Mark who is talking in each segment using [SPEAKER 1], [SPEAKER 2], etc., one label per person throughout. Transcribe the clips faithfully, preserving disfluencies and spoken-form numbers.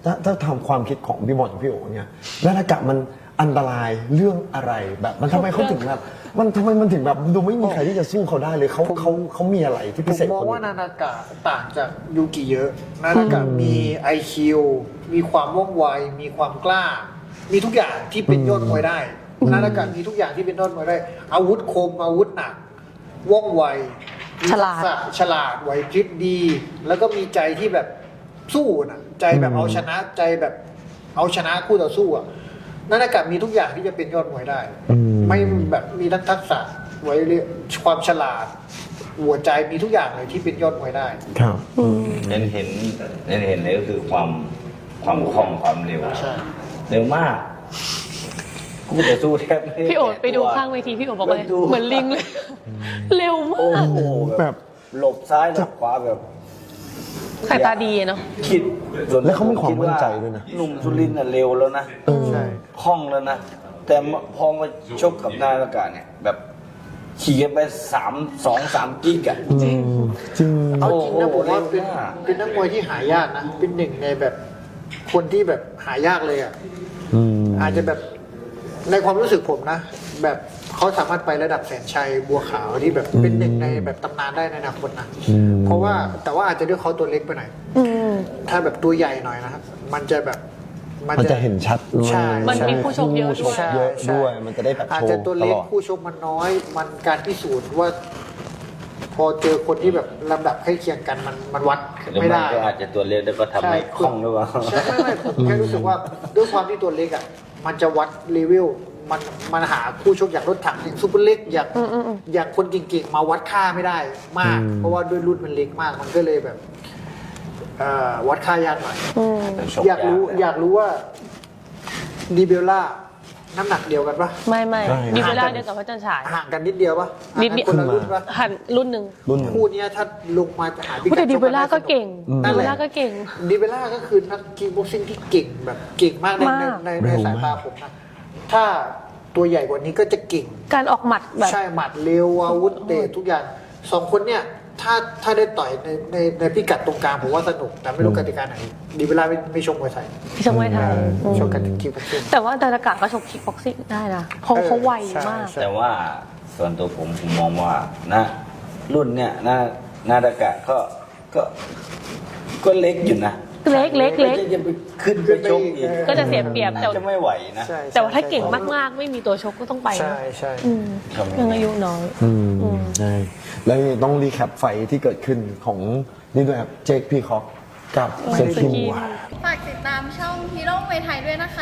[SPEAKER 1] ถ้าถ้าทำความคิดของพี่บอลกับพี่โอ๋เนี่ยแล้วนากะมันอันตรายเรื่องอะไรแบบมันทำไมเขาถึงแบบมันทำไมมันถึงแบบดูไม่มีใครที่จะสู้เขาได้เลยเขาเขาเขามีอะไรที่
[SPEAKER 2] ผ
[SPEAKER 1] พิ
[SPEAKER 2] ม
[SPEAKER 1] เศษ
[SPEAKER 2] มอง
[SPEAKER 1] กว่า
[SPEAKER 2] ว่า
[SPEAKER 1] นี้
[SPEAKER 2] นานากะต่างจากยูกิเยอะนานากะมี ไอ คิว มีความว่องไวมีความกล้า มีทุกอย่างที่เป็นยอดมวยได้นานากะมีทุกอย่างที่เป็นยอดมวยได้ อาวุธคมอาวุธหนักว่องไว
[SPEAKER 3] ฉลาด
[SPEAKER 2] มีทักษะฉลาดไหวพริบดี แล้วก็มีใจที่แบบสู้นะใจแบบเอาชนะใจแบบเอาชนะคู่ต่อสู้อ่ะนานากะมีทุกอย่างที่จะเป็นยอดมวยได้ ไม่แบบมีทั้งทักษะไว้เรียความฉลาด หัวใจมีทุกอย่างเลยที่เป็นยอดมวยได้
[SPEAKER 1] ครับ
[SPEAKER 4] เห็นเห็นเห็นเห็นเลยก็คือความความคล่องความเร็ว
[SPEAKER 2] ใช่
[SPEAKER 4] เร็วมากกูจะสู้แทบไม่
[SPEAKER 3] พี่โอ๊ตไปดูข้างเวทีพี่โอ๊ตบอกเลยเหมือนลิงเลยเร็ว
[SPEAKER 4] โอ้
[SPEAKER 3] มาก
[SPEAKER 4] โหแบบหลบซ้ายหลบขวาแบบ
[SPEAKER 3] สายตาดีเนาะ
[SPEAKER 4] คิดส่น
[SPEAKER 1] แล้วเขามีความมั่นใจด้วยนะ
[SPEAKER 4] หนุ่มสุรินทร์น่ะเร็วแล้วนะ
[SPEAKER 2] ใช่
[SPEAKER 4] คล่องแล้วนะ แต่พอมาชกกับนายละกาเนี่ย แบบขี่กันไปสามสองสามกิ๊กอะ
[SPEAKER 1] จริงจริง
[SPEAKER 2] เอาจริงนะ
[SPEAKER 4] โอ้โห
[SPEAKER 2] ผมว่าเป็น
[SPEAKER 4] เร็วมาก
[SPEAKER 2] เป็นนักมวยที่หายากนะ เป็นหนึ่งในแบบคนที่แบบหายากเลยอ่ะ
[SPEAKER 1] อืม
[SPEAKER 2] อาจจะแบบในความรู้สึกผมนะ แบบเขาสามารถไประดับแสนชัยบัวขาวที่แบบเป็นหนึ่งในแบบตำนานได้ในอนาคตนะ
[SPEAKER 1] อืม
[SPEAKER 2] เพราะว่าแต่ว่าอาจจะด้วยเขาตัวเล็กไปหน่อย
[SPEAKER 3] อืม
[SPEAKER 2] ถ้าแบบตัวใหญ่หน่อยนะครับ มันจะแบบ
[SPEAKER 1] มันจะเห็นชัดด้วย
[SPEAKER 2] ใช่
[SPEAKER 3] มันมีผู้ชมเยอะด้วย
[SPEAKER 1] ผู้ชมเยอะด้วยมันจะได้แบบ
[SPEAKER 2] อาจ
[SPEAKER 1] โช
[SPEAKER 2] จะ
[SPEAKER 1] ว์
[SPEAKER 2] ตัว
[SPEAKER 1] ต
[SPEAKER 2] เล็
[SPEAKER 1] ล
[SPEAKER 2] ก
[SPEAKER 1] อด
[SPEAKER 2] ผู้ชมมันน้อย มันการพิสูจน์ว่า พอเจอคนที่แบบลำดับใกล้เคียงกันมันมันวัด
[SPEAKER 4] หรือ
[SPEAKER 2] ไม่
[SPEAKER 4] มัน
[SPEAKER 2] ได้
[SPEAKER 4] ก็อาจจะตัวเล็กแล้วก็ทำให้คล่องหรือเปล่า
[SPEAKER 2] ใช่ไม่ไม่ผมแค่รู้สึกว่าด้วยความที่ตัวเล็กอ่ะมันจะวัดเลเวลมันมันหาคู่ชกอย่างรถถังอย่างซูเปอร์เล็กอย่าง
[SPEAKER 3] อืมอืมอืม
[SPEAKER 2] อย่างคนเก่งๆมาวัดค่าไม่ได้มาก
[SPEAKER 1] อืม
[SPEAKER 2] เพราะว่าด้วยรุ่นมันเล็กมาก มันก็เลยแบบเอ่อวัดค่ายากหน่อย
[SPEAKER 3] อืม
[SPEAKER 2] อยากรู้อยากรู้ว่าดีเบลล่าน้ำหนักเดียวกันปะ
[SPEAKER 3] ไม่ไม่
[SPEAKER 1] ใช่
[SPEAKER 3] ดีเวลาเดียวกับพระจันทร์ฉาย
[SPEAKER 2] ห่างกันนิดเดียวปะ
[SPEAKER 3] นิดเดียว
[SPEAKER 2] ห่างกันคนละรุ่นปะ
[SPEAKER 3] หันรุ่นหนึ่ง
[SPEAKER 1] รุ่นหนึ่ง
[SPEAKER 2] คู่เนี้ยถ้าลงมาจะหาพิ
[SPEAKER 3] แต่
[SPEAKER 2] กัด
[SPEAKER 3] ดี
[SPEAKER 2] ช
[SPEAKER 3] เวลาก็
[SPEAKER 2] นได้
[SPEAKER 3] เก่ง
[SPEAKER 2] นั่
[SPEAKER 3] ดี
[SPEAKER 2] นแห
[SPEAKER 3] เว
[SPEAKER 2] ละ
[SPEAKER 3] ลาก็เก่ง
[SPEAKER 2] ดีเบลล่าก็คือนักกีบ็อกซิ่งที่เก่งแบบเก่งมากใน
[SPEAKER 3] มาก
[SPEAKER 2] ในในในสายตาผมนะถ้าตัวใหญ่กว่านี้ก็จะเก่ง
[SPEAKER 3] การออกหมัดแบบ
[SPEAKER 2] ใช่หมัดเร็วอาวุธเตะทุกอย่างสองคนเนี่ยถ้าถ้าได้ต่อยในในในพิกัดตรงกลางผมว่าสนุกแต่ไม่รู้กติกาไหนดีเวลาไม่ไม่ชกมวยไทย
[SPEAKER 3] ที่ชกมวยไทยอืม
[SPEAKER 2] ชกกันคิวบ็อกซิ่ง
[SPEAKER 3] แต่ว่าดารากะก็ชกคิกบ็อกซิ่งได้นะเขา
[SPEAKER 2] เออ
[SPEAKER 3] เขาไว
[SPEAKER 2] ใช่
[SPEAKER 3] มาก
[SPEAKER 2] ใช่
[SPEAKER 4] แต่ว่าส่วนตัวผมผมมองว่านะรุ่นเนี่ยนานาดากะก็ก็ก็เล็กอยู่นะ
[SPEAKER 3] เล็กเล็กเล็ก
[SPEAKER 4] ไม่ใช่จะไปขึ้นไปชกอีก
[SPEAKER 3] ก็จะเสียเปรียบแต่
[SPEAKER 4] น่าจะไม่ไหวนะ
[SPEAKER 2] ใช่
[SPEAKER 3] แต่ว่าถ้าเก่งมากๆ ไม่มีตัวชกก็ต้องไปนะ
[SPEAKER 2] ใช่ใช่
[SPEAKER 3] อืม
[SPEAKER 4] ครับ
[SPEAKER 3] ยังอายุน้อย
[SPEAKER 1] อืม
[SPEAKER 3] อืม
[SPEAKER 1] ใช่แล้วต้องรีแคปไฟท์ที่เกิดขึ้นของนี่ด้วยครับเจคพี่คอกกับเซอร์คิว
[SPEAKER 5] ฝากติดตามช่องฮีโร่มวยไทยด้วยนะคะ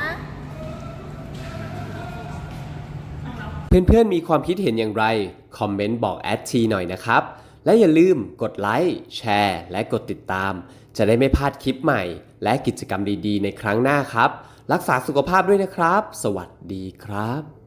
[SPEAKER 6] เพื่อนๆ มีความคิดเห็นอย่างไร คอมเมนต์บอกแอดทีหน่อยนะครับ และอย่าลืมกดไลค์ แชร์ และกดติดตาม จะได้ไม่พลาดคลิปใหม่ และกิจกรรมดีๆ ในครั้งหน้าครับ รักษาสุขภาพด้วยนะครับ สวัสดีครับ